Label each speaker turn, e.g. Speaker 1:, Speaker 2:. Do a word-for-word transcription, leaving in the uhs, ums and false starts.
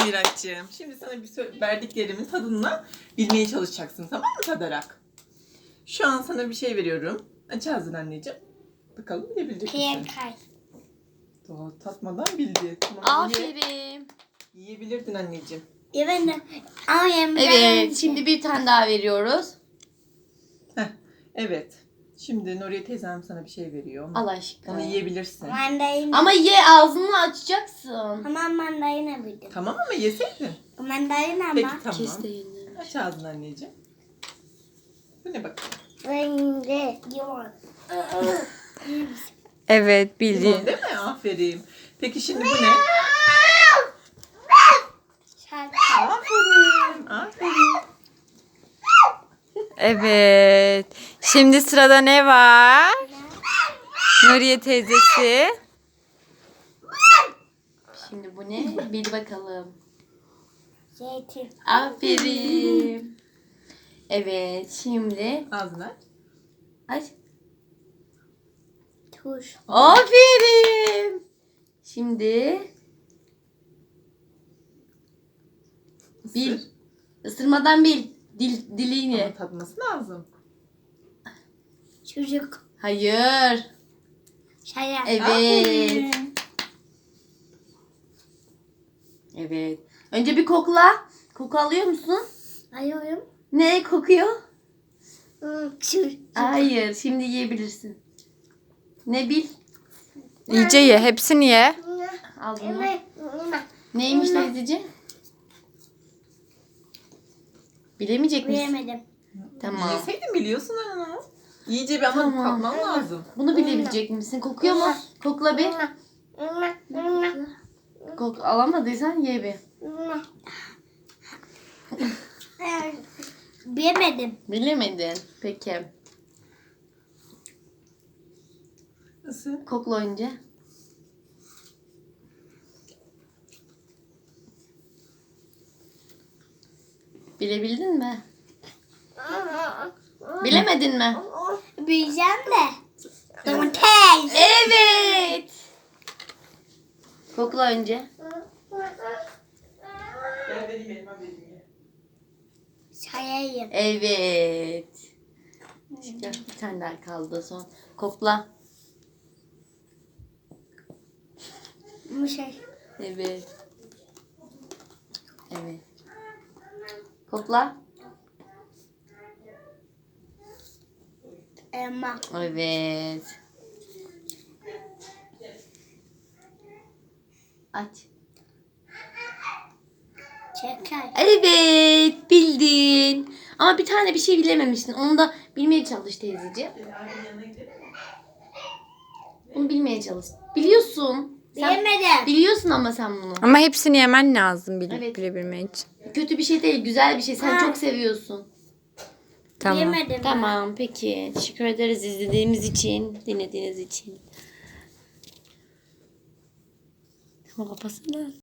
Speaker 1: Miraç'cığım. Şimdi sana bir sö- verdiklerimin tadını bilmeye çalışacaksın, tamam mı, tadarak? Şu an sana bir şey veriyorum. Aç ağzını anneciğim. Bakalım bilebilecek misin?
Speaker 2: Kay.
Speaker 1: Daha tatmadan bildi. Tamam, ye-
Speaker 3: Aferin.
Speaker 1: yiyebilirdin anneciğim.
Speaker 2: Evet. Ama yemeden
Speaker 3: Evet,
Speaker 2: önce.
Speaker 3: şimdi bir tane daha veriyoruz.
Speaker 1: Heh, evet. Şimdi Nuriye teyzem sana bir şey veriyor. Onu,
Speaker 3: Allah aşkına.
Speaker 1: onu yiyebilirsin.
Speaker 2: Mandalina.
Speaker 3: Ama ye, ağzını açacaksın.
Speaker 2: Tamam mandalina bildim.
Speaker 1: Tamam ama yeseydin.
Speaker 2: Mandalina
Speaker 1: Peki
Speaker 2: ama.
Speaker 1: tamam.
Speaker 3: Kes de yine.
Speaker 1: Aç ağzını anneciğim. Bu ne bakalım?
Speaker 2: Rengi. Yoğurt.
Speaker 3: Evet,
Speaker 1: Limon değil mi? Aferin. Peki şimdi bu ne?
Speaker 2: Şarkı.
Speaker 1: Aferin. Aferin.
Speaker 4: Evet. Şimdi sırada ne var? Nuriye teyzesi.
Speaker 3: Şimdi bu ne? Bil bakalım.
Speaker 2: Zeytin.
Speaker 3: Aferin. Evet, şimdi
Speaker 1: Ağzını aç.
Speaker 3: aç.
Speaker 2: Tuş.
Speaker 3: Aferin. Şimdi bil.
Speaker 1: Isır.
Speaker 3: Isırmadan bil. Dil, diliyle.
Speaker 1: Ama tadması lazım.
Speaker 2: Çocuk.
Speaker 3: Hayır.
Speaker 2: Şaya.
Speaker 3: Evet.
Speaker 1: Aferin.
Speaker 3: Evet. Önce bir kokla. Koku alıyor musun?
Speaker 2: Ayıyorum.
Speaker 3: Ne kokuyor?
Speaker 2: Hmm, çocuk.
Speaker 3: Hayır. Şimdi yiyebilirsin. Ne bil?
Speaker 4: İyice ye. Hepsini ye.
Speaker 3: Al bunu.
Speaker 2: Evet.
Speaker 3: Neymiş teyzeciğim? Bilemeyecek misin?
Speaker 2: Bilemedim.
Speaker 3: Tamam.
Speaker 1: Yeseydin biliyorsun ama. İyice bir ama
Speaker 3: Tamam.
Speaker 1: tatman lazım.
Speaker 3: Bunu bilebilecek misin? Kokuyor mu? Kokla bir. Kok alamadıysan ye bir.
Speaker 2: Bilemedim.
Speaker 3: Bilemedin. Peki.
Speaker 1: Isır.
Speaker 3: Kokla önce. Bilebildin mi? Bilemedin mi?
Speaker 2: Bileceğim de. Domates.
Speaker 3: Evet. Kokla önce.
Speaker 1: Gel benim elime vereyim ye.
Speaker 2: Şayayım.
Speaker 3: Evet. Şimdi bir tane daha kaldı son. Kokla.
Speaker 2: Bu şey.
Speaker 3: Evet. Evet. Kokla.
Speaker 2: Elma.
Speaker 3: Evet. Aç.
Speaker 2: Şeker.
Speaker 3: Evet, bildin. Ama bir tane bir şey bilememiştin. Onu da bilmeye çalış teyzeciğim.
Speaker 1: Gel ailenin yanına gidelim mi?
Speaker 3: Bunu bilmeye çalış. Biliyorsun. Sen
Speaker 2: Bilemedim.
Speaker 3: biliyorsun ama sen bunu.
Speaker 4: Ama hepsini yemen lazım bil-
Speaker 3: Evet.
Speaker 4: bilebilmek için.
Speaker 3: Kötü bir şey değil, güzel bir şey. Sen
Speaker 2: Ha.
Speaker 3: çok seviyorsun.
Speaker 4: Tamam.
Speaker 2: Bilemedim. ben.
Speaker 3: Tamam, peki. Teşekkür ederiz izlediğimiz için, dinlediğiniz için. Tamam, kapatsana.